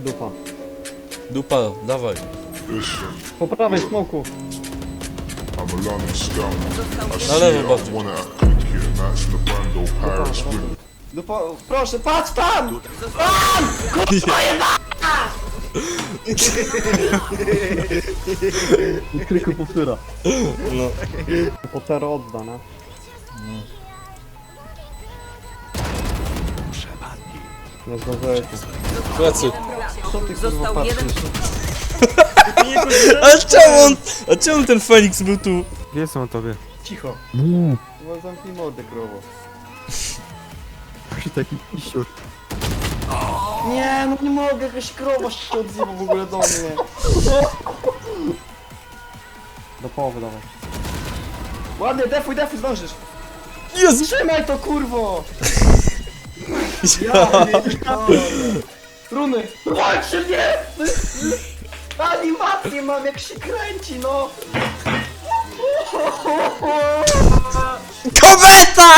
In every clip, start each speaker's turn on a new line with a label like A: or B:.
A: Dupa.
B: Dupa, dawaj.
A: Po prawej smoku.
B: Na lewo bardziej.
C: Dupa, proszę, patrz tam!
A: I kryku powtóra.
B: No.
A: Potero odda, no. Nie zdążyłeś.
B: Plecy.
A: Co ty kurwa
D: Został jeden
A: patrzysz?
B: A czemu ten Feniks był tu?
E: Wie są o tobie.
C: Cicho.
A: Chyba zamknij mordę, krowo.
E: Taki pisiur.
C: Nie, no nie mogę, jakaś krowa się odzywa w ogóle do mnie.
A: Do połowy dawaj.
C: Ładnie, defuj, zdążysz.
B: Jezu!
C: Trzymaj to, kurwo!
B: Ja.
C: Runy! Walczy mnie! Animację mam, jak się kręci, no!
B: Kometa!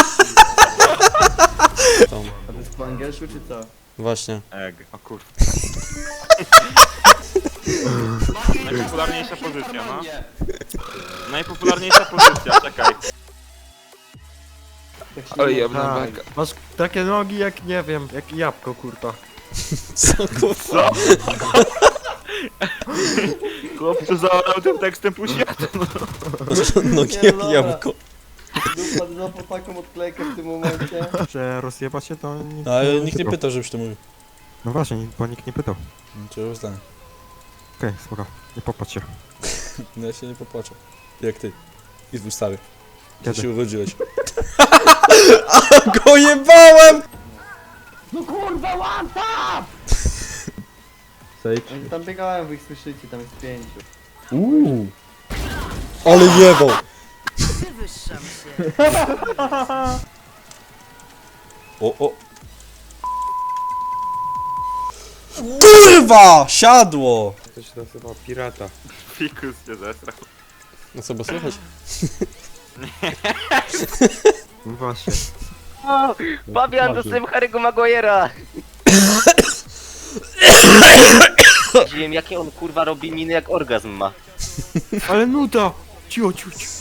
C: A to jest po angielsku, czy co?
B: Właśnie.
F: Egg, o kurwa. Najpopularniejsza pozycja, no. Najpopularniejsza pozycja, czekaj.
E: Oj, ja tak. Masz takie nogi jak, nie wiem, jak jabłko, kurwa.
B: Co kurwa?
F: Chłopcu zaorał tym tekstem pół świata.
B: Nogi
C: Nie,
B: jak
C: dobra.
B: jabłko.
C: Dupa, złapał taką odklejkę w tym momencie.
E: Że rozjeba się to nikt
B: Ale nikt nie pytał, żebyś to mówił.
E: No właśnie, bo nikt nie pytał.
B: Czego zdanie?
E: Okej, spoko. Nie popatrz się.
B: No ja się nie popłaczę. Jak ty. I w ustawie. Ty
E: Kiedy?
B: się urodziłeś. A go jebałem!
C: No kurwa, one tap!
A: Sage.
C: Oni tam biegałem, wy ich słyszycie, tam jest 5.
B: Ale jebał!
D: wywyższam się.
B: O. Kurwa! Siadło!
E: To się nazywa pirata.
F: Fikus się zesrał.
B: No co, bo słychać?
E: No właśnie.
G: Fabian, dostałem Harry'ego Maguire'a! Widziałem jakie on kurwa robi miny jak orgazm ma.
E: Ale nuda! Cicho, cicho, cicho.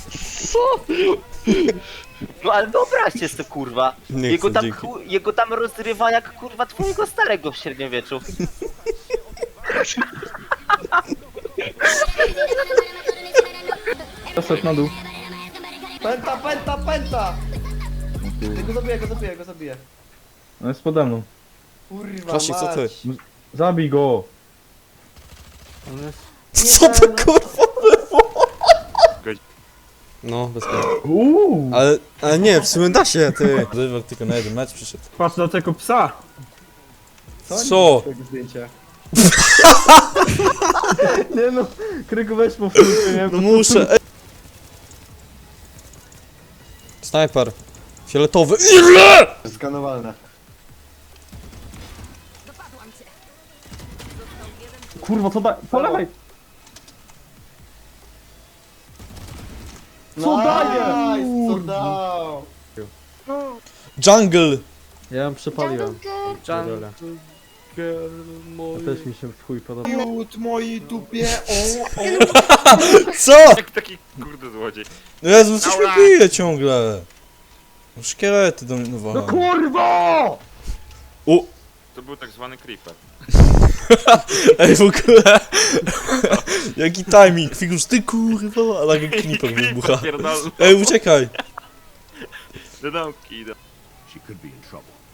G: No ale wyobraźcie sobie kurwa.
B: Nie
G: Jego
B: chcę,
G: tam,
B: dzięki.
G: jego tam rozrywa jak kurwa twojego starego w średniowieczu.
A: Poszedł na dół.
C: Penta! Go zabiję.
A: On jest pode mną.
C: Kurwa,
B: Klasik, co ty?
C: mać.
A: Zabij go!
B: Co to kurwa było? No, bez końca. Ale nie, w sumie da się, ty. Rywal tylko na jeden mecz przyszedł.
A: Patrz na tego psa!
B: Co?
C: Tego zdjęcia.
A: Nie no, kryku weź powtórkę, nie?
B: No muszę. Ej. Snajper. Fioletowy. Ile?
C: Skanowalne.
A: Kurwa, co da... Po lewej! Co daje?
C: Nice, co dał?
B: Jungle.
A: Ja ją przepaliłem.
E: Jungle.
A: To też mi się w chuj podoba.
E: Jut mojej dupie,
B: Co?
F: Jak taki kurde złodziej.
B: Jezu, coś mi bije ciągle. No, szkielety dominowały.
A: No kurwa!
B: O!
F: To był tak zwany creeper.
B: Ej, w ogóle. Jaki timing. Figus, ty kurwa. A nagle kniper wybucha.
F: Pierdolę.
B: Ej, uciekaj.
F: Do domki idę.
H: She could be in trouble.